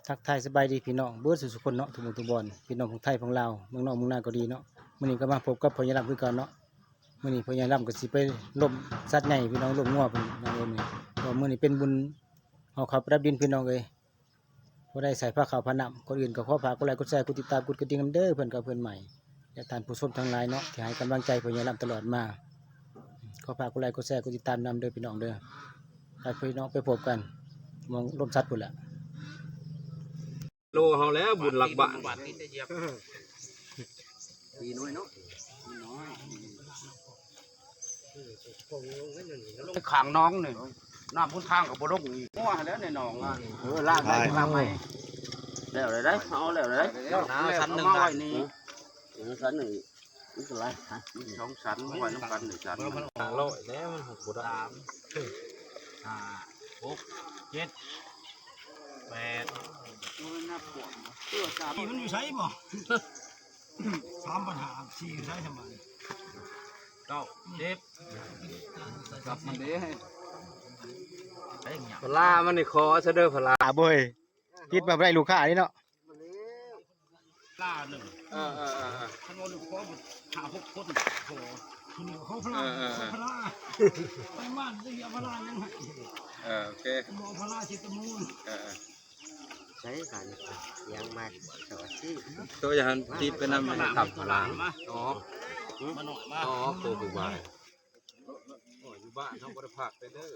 ทักทายสบายดีพี่น้องเบิร์ดสุขคนเนาะทุกหมู่ทุกบอนพี่น้องของไทยของลาวเมืองนอกเมืองนาก็ดีเนาะมื้อนี้ก็มาพบกับพ่อใหญ่ลำคือกันเนาะมื้อนี้พ่อใหญ่ลำก็สิไปล่มสัตว์ใหญ่พี่น้องล่มงัวเพิ่นน้องเอิ้นนี่ก็มื้อนี้เป็นบุญเอาข้าวประดับดินพี่น้องเอ้ยบ่ได้ใส่ผ้าขาวผ้าน้ำคนอื่นก็ขอฝากกดไลค์กดแชร์กดติดตามกดกระดิ่งนำเด้อเพิ่นกับเพิ่นใหม่และท่านผู้ชมทั้งหลายเนาะที่ให้กำลังใจพ่อใหญ่ลำตลอดมาขอฝากกดไลค์กดแชร์กดติดตามนำเด้อพี่น้องเด้อไปพี่น้องไปพบกันมองล่มสัตว์พุ่นล่ะโลเฮาแล้วบุญหลักบ้านปีน้อยเนาะขางน้องนี่น้ำพุ่นทางกับบลงงัวแล้วในหนองล่างได้ล่างไหมแล้วเลยได้เอาแล้วเลยชั้นหนึ่งได้นี่ชั้นหนึ่งนี่คืออะไรสองชั้นไว้น้ำกันหนึ่งชั้น 500แล้วมัน6บ่ได้ 5 6 7 8 มันอยู่ใช้บ่3ปัญหา4อยู่ใช้ทำไม 9 10กับมันเด้พลามันนี่คอซะเด้อพลาบ่ยคิดมาได้ลูกค้านี่เนาะล่าหนึ่งขนมลูกพ่อหา6 คนโอ้คุณเขาพลาไปบ้านจะพลายังไงโอเคบ่พลาจิตมูลใช้กันยังมาสวัสดีตัวอย่างที่เป็นนำขับพลาอ๋อมาหน่อยมาอ๋อตัวผู้บ้านอยู่บ้านเฮาบ่ได้พักไปเด้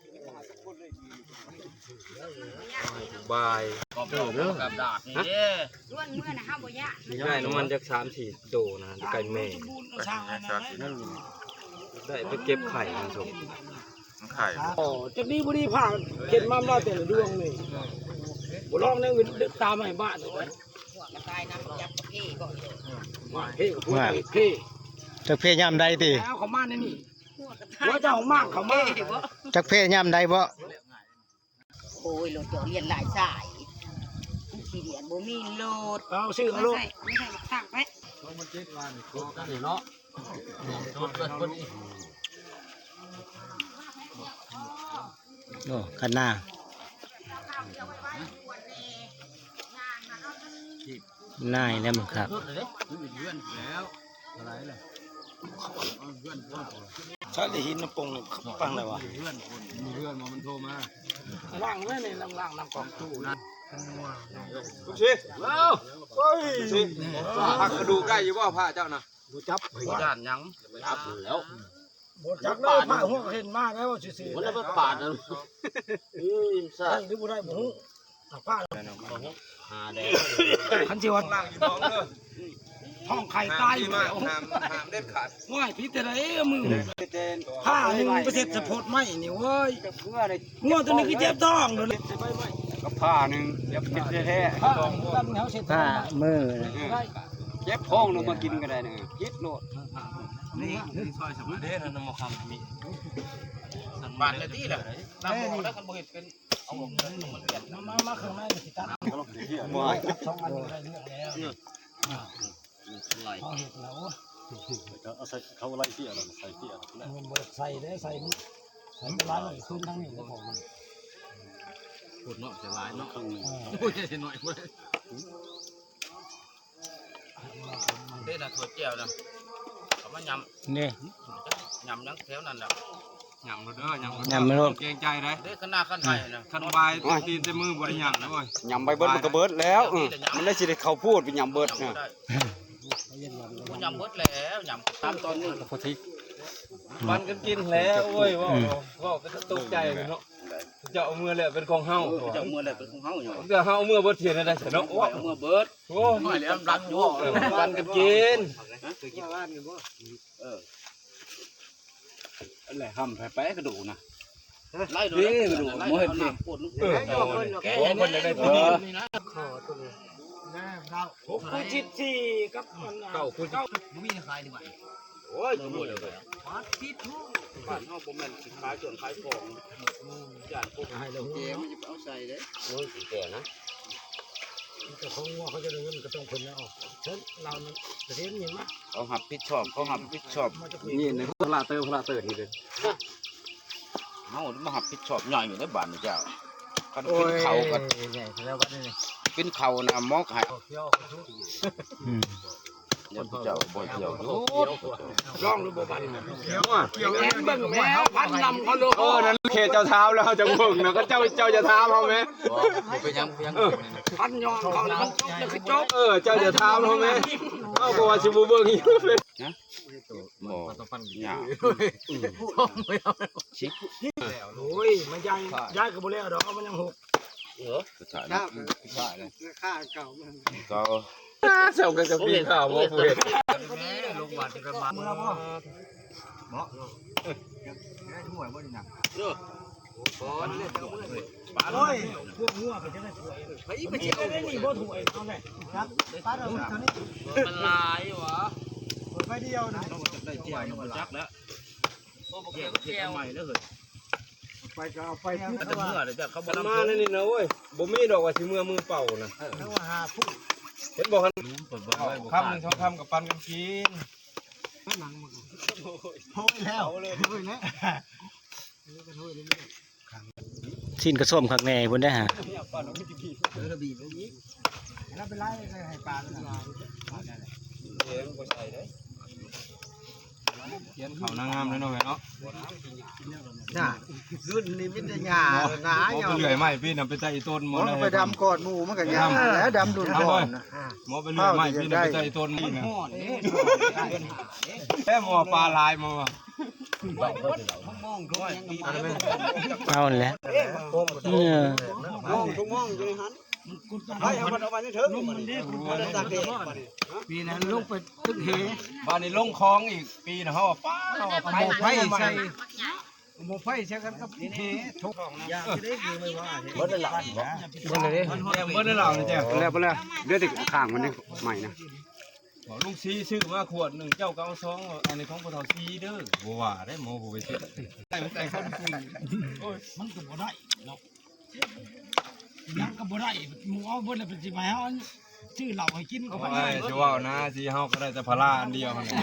อบายกับดาบนี่เด้ล้วนเมื่อนะฮะบ่ยะได้น้ำมันจัก3-4โตนะไก่แม่ได้ไปเก็บไข่มาส่งไข่อ๋อจักดีบ่ดีผ่าเข็นมาแต่ละดวงนี่บ่ลองในอื่นตามให้บ้านเลยหัวกระต่ายน้ำจับกระเพาะก่อนว่าเฮ้พูดเฮ้จักเพยามใดติแล้วเขามาในนี่ว่าเจ้ามากเขามาจักเพยามใดบ่โอ้ยรถจอเรียนหลายสายสีเดียนบ่มีโลดเอาซื้อเอาโลดไม่ใช่สั่งไปมัน7วันโตกันนี่เนาะโตเกิดคนนี้โอ้คันหน้าน่ายแล้วมึงครับชาลิหินน้ำปงเนี่ยปังเลยวะมีเพื่อนมันโทรมาล่างเลยนี่ล่างน้ำกองตู้นะทุกชีแล้วเฮ้ยชีผักกระดูกใกล้อยู่บ่ผ้าเจ้านะดูจับย่านยังจับแล้วจับเลยผ้าหัวเห็นมากแล้วว่าสิมันแล้วปาดนะใช่หรือบ่ได้บ่ฮู้ผ้าหาแดงคันสิวันล่างอยู่น้องเด้อท้องไข่ตายอยู่แล้วห้ามเด็ดขาดว่ายพิษอะไรมือผ้าหนึ่งประเทศสะโพดไหมนี่เว้ยงัวตัวนี้คือเจ็บท้องเลยกับผ้าหนึ่งเจ็บพิษแท้ผ้ามือเจ็บท้องลงมากินก็ได้เนี่ยพิษโลดนี่ซอยสมุนเด้นั่นมาคำมีบ้านเลยที่ละน้ำบ่ได้กันบ่เห็นเป็นเอาเงินมันเปลี่ยนมาข้างในสิตัดช่องอันนี้ได้เรื่องแล้วเอาใส่เขาไล่เตี้ยอะไรใส่เตี้ยมันใส่ได้ใส่ร้านเลยขึ้นทั้งนี้แล้วผมมันพูดเนาะจะร้ายเนาะโอ้ยจะหน่อยพูดได้นะถั่วเจียวนะเขามายำนี่ยำนั่งแถวนั้นแหละยำเด้อยำเกรงใจได้ได้ขนาดขั้นไทยนะขั้นบายตีนเต็มมือบริยำนะเว้ยยำใบเบิร์ดมันก็เบิร์ดแล้วมันได้สิได้เขาพูดเป็นยำเบิร์ดเนี่ยยำเบิร์ดแล้วยำตามตอนนี้พอทิมันก็กินแล้วโอ้ยว่าก็ตกใจเนาะจะเอามือเลยเป็นของเฮาจะเอามือเลยเป็นของเฮาอยู่จะเฮามือเบิร์ดเทียนได้เนาะเอามือเบิร์ดโอ้ยแล้วรักอยู่มันก็กินอะไรห้ำไปกระดูนะไล่ดูกระดูโมเห็นดิแกคนได้ตัวนี้นะขอตัวนี้6 คูณ 14กับ 9 คูณ 9มีขายดีกว่าโอ้ยหมดเลยทิศบ้านเฮาบ่แม่นสิขายส่วนขายของย่านพวกให้เราเจ๊มันจะเอาใส่เด้โอ้ยสิแก่นะแต่ของงัวเขาจะได้เงินก็ต้องคนแล้วเช่นเราประเทศนี้มั้ยเขาหับผิดชอบนี่ในพลาเตอร์นี่เลยเฮามาหับผิดชอบย่อยอยู่ในบ้านนี่เจ้ากันกินเข่ากันกินเข่านะมอกหายอืมเดี๋ยวเจ้าบ่เกี่ยวร้องหรือบ่บันเกี่ยวแอนเบิ่งแม่พันลำเขาโลนั่นเขตเจ้าเท้าแล้วเจ้าเบิ่งนะก็เจ้าจะท้าเขาไหมเป็นยังพันยองเขาแล้วมันจบแล้วคือจบเจ้าจะท้าเขาไหมเอาบอกว่าชิบูเบิ่งอยู่เลยบ่หยาโอ้ยมันยังย้ายกับบ่แล้วดอกมันยังหกสุดท้ายนะค่าเก่าก็เจ้ากันกับพี่ข่าวบ่ผู้เห็นโอ้ยพวกงัวไปจะได้ถวยไปไปเที่ยวได้นี่บ่ถวยเอาแหละครับป้าเราเท่านี้มันลายวะไปเดียวนะได้เที่ยวมันจักแล้วเที่ยวใหม่แล้วเหรอไปก็เอาไปที่จะเมื่อเดี๋ยวจะเขาบ่มันนำมานั่นนี่นะเว้ยบ่มีดอกว่าสิมือเป่านะทั้งว่าหาผู้เห็นบอกกันคำหนึ่งสองคำกับปันกันกินโอ้ยแล้วโอ้ยนะสิ้นกระส้มคักแน่พุ่นได้ฮะแล้วไปไล่ให้ปลาเลยเขียนเขานางงามเลยเนาะเนาะน่ะรุ่นนี้มันจะหยาหนาหมอไปเลื่อยไม้พี่น่ะไปใต้ต้นหมอมันไปดำกอดหมูมันก็หยาแล้วดำดุนก่อนนะหมอไปเลื่อยไม้พี่น่ะไปใต้ต้นนี่นะแค่หมอปลาลายมาว่ะเอาแหละเนี่ยทุกมองอยู่ในหันให้เอามันเอาไปในเถิงมันนี่มันตากแดดปีนั้นลงไปตึกเหบ้านนี้ลงคลองอีกปีนะเฮาป้าหมกไฟใส่หมกไฟใส่กันกับเหทุกอย่างจะได้คือไม่ว่าเหบ่ได้หลับบ่เบิ่ได้หลังนี่แจ้แล้วบ่แล้วเดี๋ยวติข้างมันนี่ใหม่นะบอกลุงซีซื้อมาขวดหนึ่งเจ้าก็เอาซองอันนี้ของพ่อเฒ่าซีเด้อบ่ว่าได้หมอบ่ไปซื้อใส่คนมันก็บ่ได้เนาะยังก็บ่ได้หมูเอาเบิดแล้วเป็นสิมาเอาชื่อเหล้าให้กินก็บ่ได้จะว่านะซีเฮาก็ได้แต่พาราอันเดียวนั่น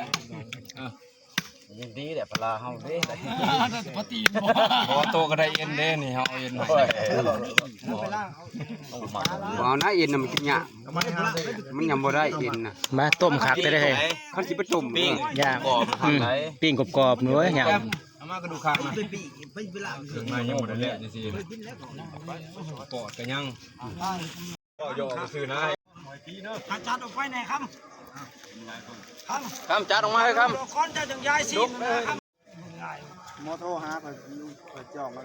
ยินดีแหละปลาเฮาเด้ปฏิบ่พอโตก็ได้เอ็นเด้นี่เฮาเอาเอ็นให้ไปล่างเอาบ่นะเอ็นน่ะมันกินยากมันยังบ่ได้เอ็นน่ะมาต้มคักได้เลยคันสิไปตุ่มปิ้งย่างปิ้งกรอบๆหนูย่างเอามากระดูกข้างนะถึงมายังบ่ได้แล้วจังซี่ปอดก็ยังก็ย่อซื้อนะอาจารย์เอาไปไหนครับคำจัดออกมาให้คก่อนจะจังย้ายสิครับมอโทรหาเปิดจองมัน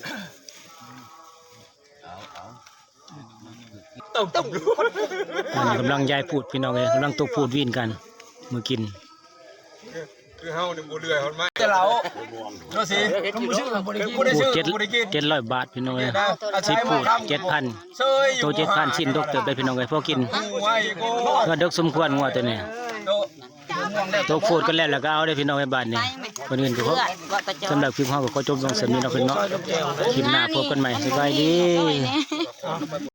อันนี้กำลังยายพูดพี่น้องเลยกำลังตกพูดวินกันมือกินคือเฮานี่บ่เลื่อยเฮาไม้แต่เราโน่สิพูด700 บาทพี่น้องเลยสิพูด 7,000 เซยอยู่ตัว7,000ชิ้นดกเติบไปพี่น้องเลยพอกินไว้โกก็ดกสมควรงัวตัวนี้โตตกพูดกันแล้วแล้วก็เอาได้พี่น้องในบ้านนี่คนอื่นก็พบสำหรับคลิปเฮาก็ขอจบลงสำนี้เนาะเพิ่นเนาะคลิปหน้าพบกันใหม่สบายดี